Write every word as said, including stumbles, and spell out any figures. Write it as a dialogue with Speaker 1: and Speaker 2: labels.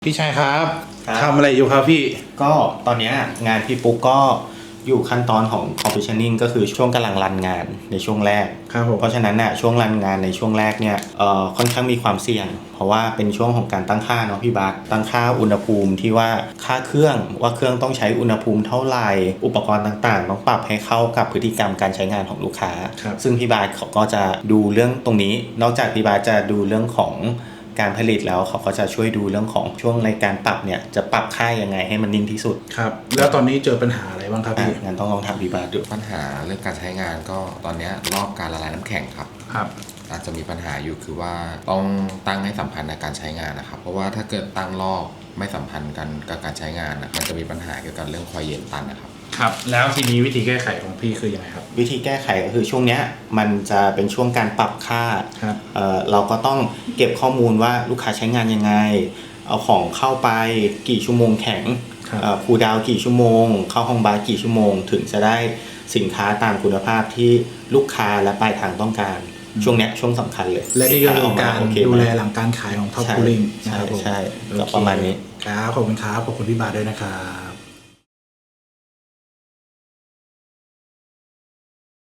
Speaker 1: พี่ชายครับ
Speaker 2: ครับ
Speaker 1: ทำอะไรอยู่ครับพี่
Speaker 2: ก็ตอนเนี้ยงานพี่ปุ๊กก็อยู่ขั้นตอนของ commissioning ก็คือช่วงกำลังรันงานในช่วงแรก
Speaker 1: ครับผม
Speaker 2: เพราะฉะนั้นน่ะช่วงรันงานในช่วงแรกเนี่ยเอ่อค่อนข้างมีความเสี่ยง เพราะว่าเป็นช่วงของการตั้งค่าเนาะพี่บาสตั้งค่าอุณหภูมิที่ว่าค่าเครื่องว่าเครื่องต้องใช้อุณหภูมิเท่าไหร่อุปกรณ์ต่างๆต้องปรับให้เข้ากับพฤติกรรมการใช้งานของลูกค้า
Speaker 1: ครับ
Speaker 2: ซึ่งพี่บาสเขาก็จะดูเรื่องตรงนี้ นอกจากพี่บาสจะดูเรื่องของการผลิตแล้วเขาก็จะช่วยดูเรื่องของช่วงในการปรับเนี่ยจะปรับค่ายังไงให้มันนิ่งที่สุด
Speaker 1: ครับ แล้วตอนนี้เจอปัญหาอะไรบ้างครับ
Speaker 2: อ่ะ
Speaker 1: พี่
Speaker 2: งั้นต้องลองถามพี่บาสดู
Speaker 3: ปัญหาเรื่องการใช้งานก็ตอนนี้รอบการละลายน้ำแข็งครับ
Speaker 1: ครับ
Speaker 3: อาจจะมีปัญหาอยู่คือว่าต้องตั้งให้สัมพันธ์ในการใช้งานนะครับ เพราะว่าถ้าเกิดตั้งรอบไม่สัมพันธ์กันกับการใช้งานนะมันจะมีปัญหาเกี่ยวกับเรื่องคอยเย็นตันนะครับ
Speaker 1: ครับ แล้วทีนี้วิธีแก้ไขของพี่คือยังไงครับ
Speaker 2: วิธีแก้ไขก็คือช่วงเนี้ยมันจะเป็นช่วงการปรับค่า
Speaker 1: ครับ
Speaker 2: เอ่อเราก็ต้องเก็บข้อมูลว่าลูกค้าใช้งานยังไง เอาของเข้าไปกี่ชั่วโมงแข็ง
Speaker 1: ครับ
Speaker 2: เอ่อคูลดาวน์กี่ชั่วโมง เข้าห้องบาร์กี่ชั่วโมง ถึงจะได้สินค้าตามคุณภาพที่ลูกค้าและปลายทางต้องการ ช่วงเนี้ยช่วงสำคัญเลย
Speaker 1: และนี่ก็คือการ
Speaker 2: โอเค
Speaker 1: ดู
Speaker 2: ไหม
Speaker 1: แลหลังการขายของท็อป
Speaker 2: ใช่
Speaker 1: คูลิ่งนะ
Speaker 2: ใช่
Speaker 1: ครับผม
Speaker 2: ใช่
Speaker 1: โอ
Speaker 2: ก็
Speaker 1: เค
Speaker 2: ประมาณนี้
Speaker 1: ครับ ขอบคุณครับ ขอบคุณพี่บาทด้วยนะครับ